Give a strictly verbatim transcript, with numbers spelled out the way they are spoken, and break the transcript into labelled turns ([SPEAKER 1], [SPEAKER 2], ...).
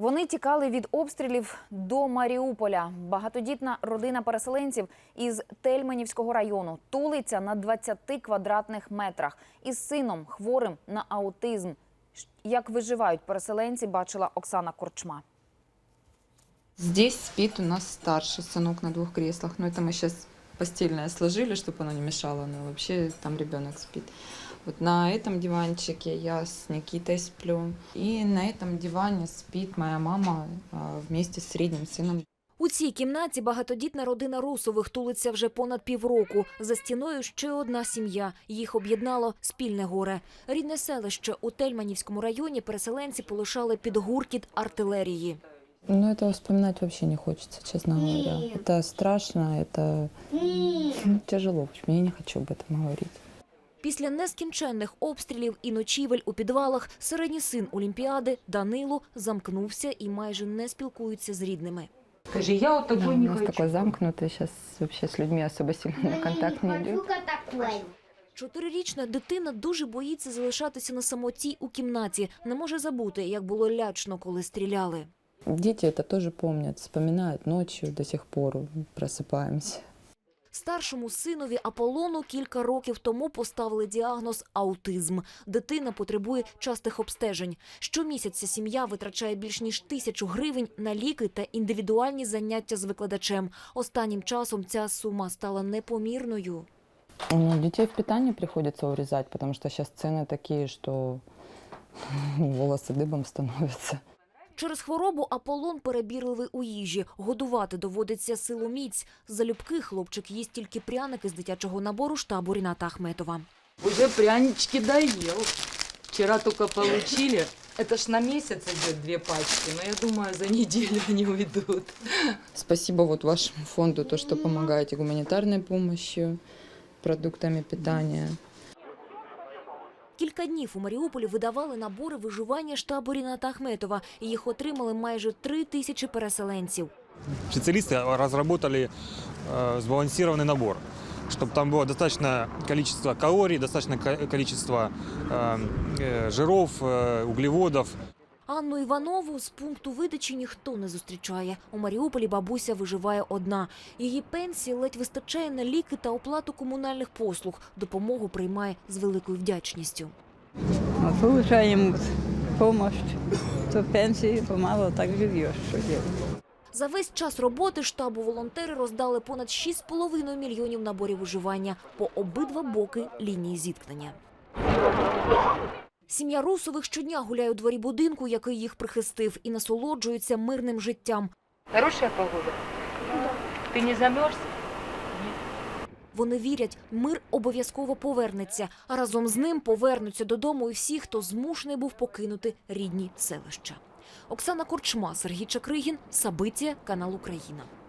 [SPEAKER 1] Вони тікали від обстрілів до Маріуполя. Багатодітна родина переселенців із Тельменівського району тулиться на двадцяти квадратних метрах із сином, хворим на аутизм. Як виживають переселенці, бачила Оксана Корчма.
[SPEAKER 2] Здесь спит у нас старший сынок на двух креслах. Но это мы сейчас постельное сложили, чтобы оно не мешало. Но вообще там ребенок спит. Вот на этом диванчике я с Никитой сплю. И на этом диване спит моя мама вместе с средним сыном.
[SPEAKER 3] У цій кімнаті багатодітна родина Русових тулиться вже понад півроку. За стіною ще одна сім'я. Їх об'єднало спільне горе. Рідне селище у Тельменівському районі переселенці полишали під гуркіт артилерії.
[SPEAKER 2] Ну, этого вспоминать вообще не хочется, честно говоря. Это страшно, это тяжело. Я не хочу об этом говорить.
[SPEAKER 3] Після нескінченних обстрілів і ночівель у підвалах середній син Олімпіади Данило замкнувся і майже не спілкується з рідними.
[SPEAKER 4] Скажи, я вот такой
[SPEAKER 2] Да,
[SPEAKER 4] не
[SPEAKER 2] у нас
[SPEAKER 4] хочу.
[SPEAKER 2] такой замкнутый, сейчас вообще с людьми особо сильно на контакт не идет.
[SPEAKER 3] Чотирирічна дитина дуже боїться залишатися на самоті у кімнаті. Не може забути, як було лячно, коли стріляли.
[SPEAKER 2] Дети это тоже помнят, вспоминают ночью, до сих пор просыпаемся.
[SPEAKER 3] Старшому синові Аполлону кілька років тому поставили діагноз – аутизм. Дитина потребує частих обстежень. Щомісяця сім'я витрачає більш ніж тисячу гривень на ліки та індивідуальні заняття з викладачем. Останнім часом ця сума стала непомірною.
[SPEAKER 2] Ну, детей в питании приходится урезать, потому что сейчас цены такие, что волосы дыбом становятся.
[SPEAKER 3] Через хворобу Аполлон перебірливий у їжі. Годувати доводиться силоміць. Залюбки хлопчик їсть тільки пряники з дитячого набору штабу Ріната Ахметова.
[SPEAKER 4] Уже прянички доел. Вчера только получили. Это ж на месяц идет две пачки, но я думаю, за неделю они уйдут.
[SPEAKER 2] Спасибо вот вашему фонду, то, что помогаете гуманитарной помощью, продуктами питания.
[SPEAKER 3] Кілька днів у Маріуполі видавали набори виживання штабу Ріната Ахметова. Їх отримали майже три тисячі переселенців.
[SPEAKER 5] Специалисты разработали э, сбалансированный набор, чтобы там было достаточное количество калорий, достаточное количество э, э, жиров, э, углеводов.
[SPEAKER 3] Анну Іванову з пункту видачі ніхто не зустрічає. У Маріуполі бабуся виживає одна. Її пенсії ледь вистачає на ліки та оплату комунальних послуг. Допомогу приймає з великою вдячністю.
[SPEAKER 6] Получаем помощь, то пенсии помало так живешь, что делать.
[SPEAKER 3] За весь час роботи штабу волонтери роздали понад шість з половиною мільйонів наборів виживання по обидва боки лінії зіткнення. Сім'я Русових щодня гуляє у дворі будинку, який їх прихистив, і насолоджуються мирним життям.
[SPEAKER 4] Хорошая погода? Ты не замерз?
[SPEAKER 3] Вони вірять, мир обов'язково повернеться, а разом з ним повернуться додому і всі, хто змушений був покинути рідні селища. Оксана Корчма, Сергій Чакригін, Сабиття, канал Україна.